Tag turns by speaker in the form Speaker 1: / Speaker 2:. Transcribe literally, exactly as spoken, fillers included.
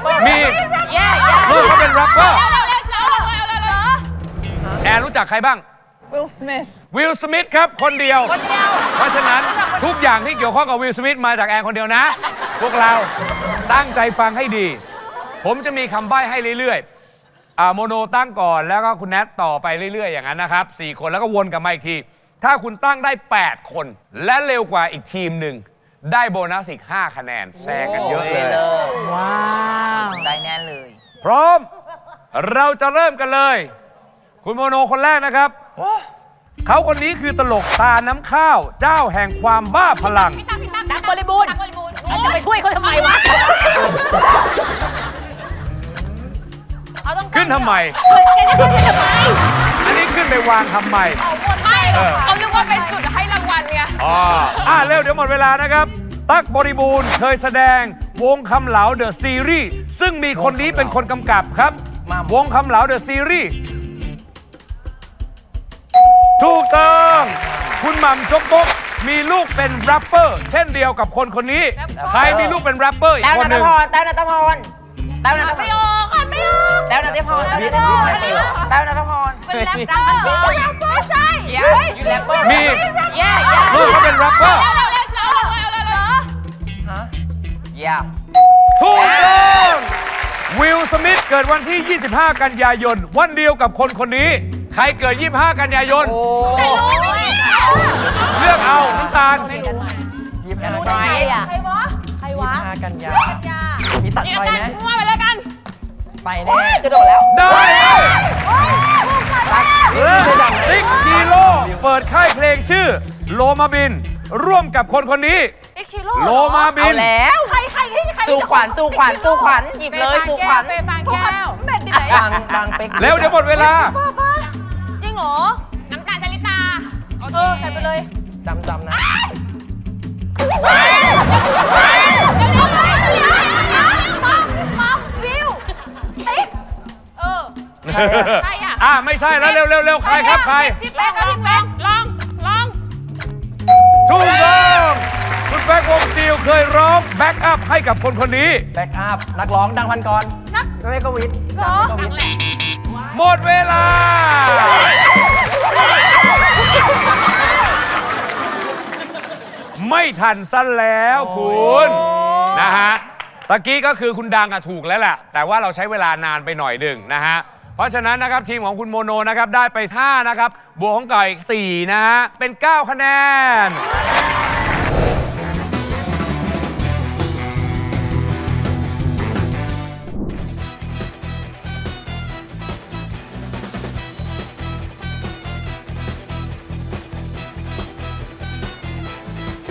Speaker 1: มีลูกเขาเป็นแรปเปอร์แอนรู้จักใครบ้าง
Speaker 2: วิล สมิธ
Speaker 1: วิล สมิธครับคนเดียว
Speaker 2: คนเดียว
Speaker 1: เพราะฉะนั้นทุกอย่างที่เกี่ยวข้องกับวิล สมิธมาจากแอนคนเดียวนะ พวกเราตั้งใจฟังให้ดี ผมจะมีคำใบ้ให้เรื่อยๆอ่าโมโนตั้งก่อนแล้วก็คุณแนทต่อไปเรื่อยๆอย่างนั้นนะครับสี่คนแล้วก็วนกลับมาอีกทีถ้าคุณตั้งได้แปดคนและเร็วกว่าอีกทีมหนึ่งได้โบนัสอีกห้าคะแนนแซงกันเยอะเลย
Speaker 3: ว้าว ได้แน่เลย
Speaker 1: พร้อมเราจะเริ่มกันเลย คุณโมโนคนแรกนะครับเขาคนนี้คือตลกตาน้ำข้าวเจ้าแห่งความบ้าพลัง
Speaker 3: ตั๊กบริบูรณ์จะไปช่วยเขาทำไมวะ
Speaker 1: ขึ้นทำไม อันนี้ขึ้นไปวางทำไม
Speaker 2: ไม่เขานึกว่าเป็นจุดให้รางวัลไง
Speaker 1: อ๋ออ่ะเร็วเดี๋ยวหมดเวลานะครับ ตั๊กบริบูรณ์เคยแสดงวงคำเหลาเดอะซีรีส์ซึ่งมีคนนี้เป็นคนกำกับครับ วงคำเหลาเดอะซีรีส์ถูกต้องคุณหม่ำจกบกมีลูกเป็นแรปเปอร์ เช่นเดียวกับคนคนนี้ ใครมีลูกเป็นแรปเปอร์อีก
Speaker 3: แต้ว
Speaker 1: คน
Speaker 3: นั
Speaker 1: หนึ่
Speaker 3: ท
Speaker 1: ง
Speaker 3: พรแต้วนัทพรแต้วนัทพรไม่ออกอ่ะไม่ออกแต้วนัทพรแต้วนัทพรแต้วนัทพรเป็นแรปเปอร์ไม่ใช่อยู่แรปเปอร์
Speaker 1: มี
Speaker 3: แย่
Speaker 1: ลูกเขาเป็นแรปเปอร์
Speaker 3: แย่
Speaker 1: ถูกต้องวิล สมิธเกิดวันที่ ยี่สิบห้า กันยายน วันเดียวกับคนคนนี้ ใครเกิด ยี่สิบห้า กันยายน เลือกเอาน้ำตาล
Speaker 4: ยี่สิบห้า
Speaker 3: ใครอ่ะ
Speaker 2: ใครวะ ใครวะ
Speaker 4: กันยามีตัดไฟไหม
Speaker 2: มั่วไปเลยกัน
Speaker 4: ไปแน่
Speaker 3: กระโดดแล้ว
Speaker 1: ได้เริ่มจากติ๊กฮีโร่เปิดค่ายเพลงชื่อโลมาบิน ร่วมกับคนคนนี้
Speaker 2: เอ็กชิโร่
Speaker 1: โลมาบิ
Speaker 3: เอา
Speaker 1: น
Speaker 3: แล้ว
Speaker 2: ใครใครใคร
Speaker 3: สู้ขวัญสู้ขวัญสู้ขวัญหยิบเลยสู้ขวัญ
Speaker 2: เฟย์ฟางแก้วเม็ดที่ไหน
Speaker 4: บางบางเป็ก
Speaker 1: เร็วเดี๋ยวหมดเวลา
Speaker 2: จริงเหรอ น้ำตาลจริตาเออใส่ไปเลย
Speaker 4: จำจำนะ
Speaker 2: มัมวิวติ๊กเออ ใครอ่ะ
Speaker 1: อ่ะไม่ใช่แล้วเร็วเร็วเร็วใครครับใคร
Speaker 2: พี่แป๊กกับพี่แป๊กลองลอง
Speaker 1: ถูกต้องคุณแบ็ควงซิลเคยร้องแบ็กอัพให้กับคนคนนี้
Speaker 4: แบ็กอัพนักร้องดังพันกร
Speaker 2: นัก
Speaker 4: ไม่ก็วิทย์
Speaker 2: เหรอ
Speaker 4: ก็วิทย์
Speaker 1: หมดเวลา ไม่ทันสั้นแล้วคุณนะฮะตะกี้ก็คือคุณดังอะถูกแล้วแหละแต่ว่าเราใช้เวลานานไปหน่อยหนึ่งนะฮะเพราะฉะนั้นนะครับทีมของคุณโมโนนะครับได้ไปห้านะครับบวกของไก่สี่นะฮะเป็นเก้าคะแนน